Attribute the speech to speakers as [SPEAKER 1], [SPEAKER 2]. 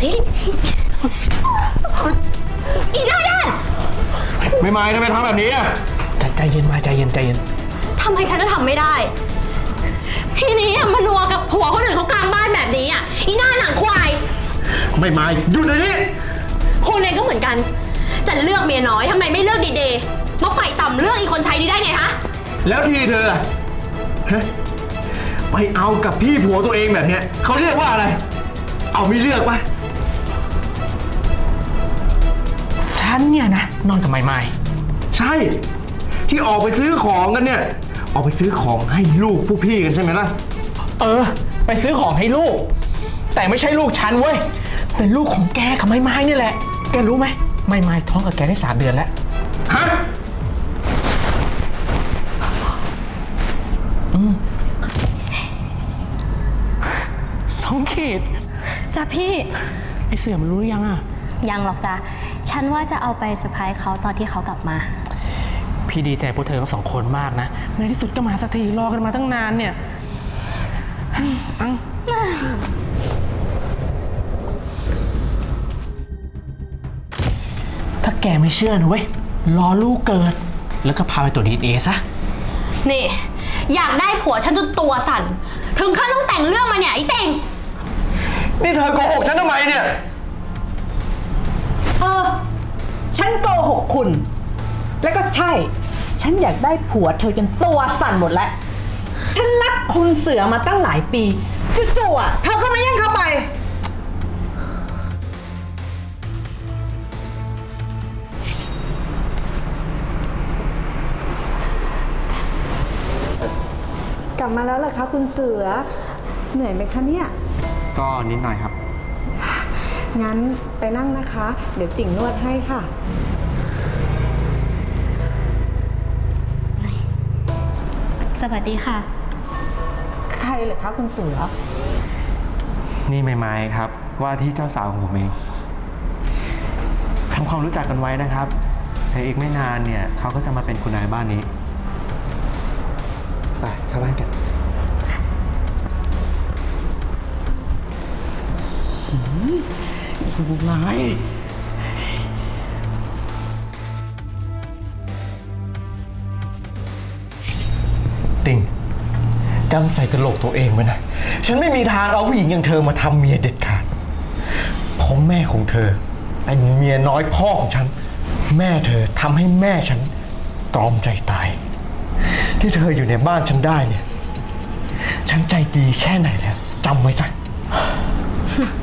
[SPEAKER 1] อีหน้าด้าน
[SPEAKER 2] ไม่ไม่ทำไมทำแบบนี้อ่ะ
[SPEAKER 3] ใจเย็นมาใจเย็น
[SPEAKER 1] ทำไมฉันจะทำไม่ได้ทีนี้มานัวกับผัวคนอื่นเขากลางบ้านแบบนี้อ่ะอีหน้าหนังควาย
[SPEAKER 2] ไม่ไม่หยุดเลยนี่
[SPEAKER 1] คุณเองก็เหมือนกันจะเลือกเมียน้อยทำไมไม่เลือกดีๆมาไฟต่ำเลือกอีกคนใช้นี้ได้ไงฮะ
[SPEAKER 2] แล้วทีเธอฮะไปเอากับพี่ผัวตัวเองแบบเนี้ยเขาเรียกว่าอะไรเอาไม่เลือกปะ
[SPEAKER 3] ฉันเนี่ยนะนอนกับไม่
[SPEAKER 2] ใช่ที่ออกไปซื้อของกันเนี่ยออกไปซื้อของให้ลูกผู้พี่กันใช่ไหมล่ะ
[SPEAKER 3] ไปซื้อของให้ลูกแต่ไม่ใช่ลูกฉันเว้ยเป็นลูกของแกกับไม้นี่แหละแกรู้ไหมไม้ท้องกับแกได้3 เดือนแล้ว
[SPEAKER 2] ฮะ
[SPEAKER 3] 2 ขีด
[SPEAKER 1] จ้ะพี่
[SPEAKER 3] ไอเสือมันรู้หรือยังอ่ะ
[SPEAKER 1] ยังหรอกจ้ะฉันว่าจะเอาไปเซอร์ไพรส์เขาตอนที่เขากลับมา
[SPEAKER 3] พี่ดีใจพวกเธอทั้ง2 คนมากนะในที่สุดก็มาสักทีรอกันมาตั้งนานเนี่ยถ้าแกไม่เชื่อนะเว้ยรอลูกเกิดแล้วก็พาไปตรวจ DNA ซะ
[SPEAKER 1] นี่อยากได้ผัวฉันจนตัวสั่นถึงขั้นต้องแต่งเรื่องมาเนี่ยไอ้เต่ง
[SPEAKER 2] นี่เธอโกหกฉันทำไมเนี่ย
[SPEAKER 4] ฉันโกหกคุณแล้วก็ใช่ฉันอยากได้ผัวเธอจนตัวสั่นหมดแล้วฉันรักคุณเสือมาตั้งหลายปีจู่ๆเธอก็มาแย่งเข้าไปกลับมาแล้วเหรอคะคุณเสือเหนื่อยไหมคะเนี่ย
[SPEAKER 3] ก็นิดหน่อยครับ
[SPEAKER 4] งั้นไปนั่งนะคะเดี๋ยวติ่งนวดให้ค่ะ
[SPEAKER 1] สวัสดีค่ะ
[SPEAKER 4] ใครเหรอคะคุณเสือ
[SPEAKER 3] นี่ไม้ครับว่าที่เจ้าสาวของผมเองทำความรู้จักกันไว้นะครับแต่อีกไม่นานเนี่ยเขาก็จะมาเป็นคุณนายบ้านนี้ไปเข้าบ้านกัน
[SPEAKER 2] สุดร้าย
[SPEAKER 3] ติ่งจำใส่กระโหลกตัวเองไว้นะฉันไม่มีทางเอาผู้หญิงอย่างเธอมาทำเมียเด็ดขาดเพราะแม่ของเธอเป็นเมียน้อยพ่อของฉันแม่เธอทำให้แม่ฉันตรอมใจตายที่เธออยู่ในบ้านฉันได้เนี่ยฉันใจดีแค่ไหนแล้วจำไว้ซะ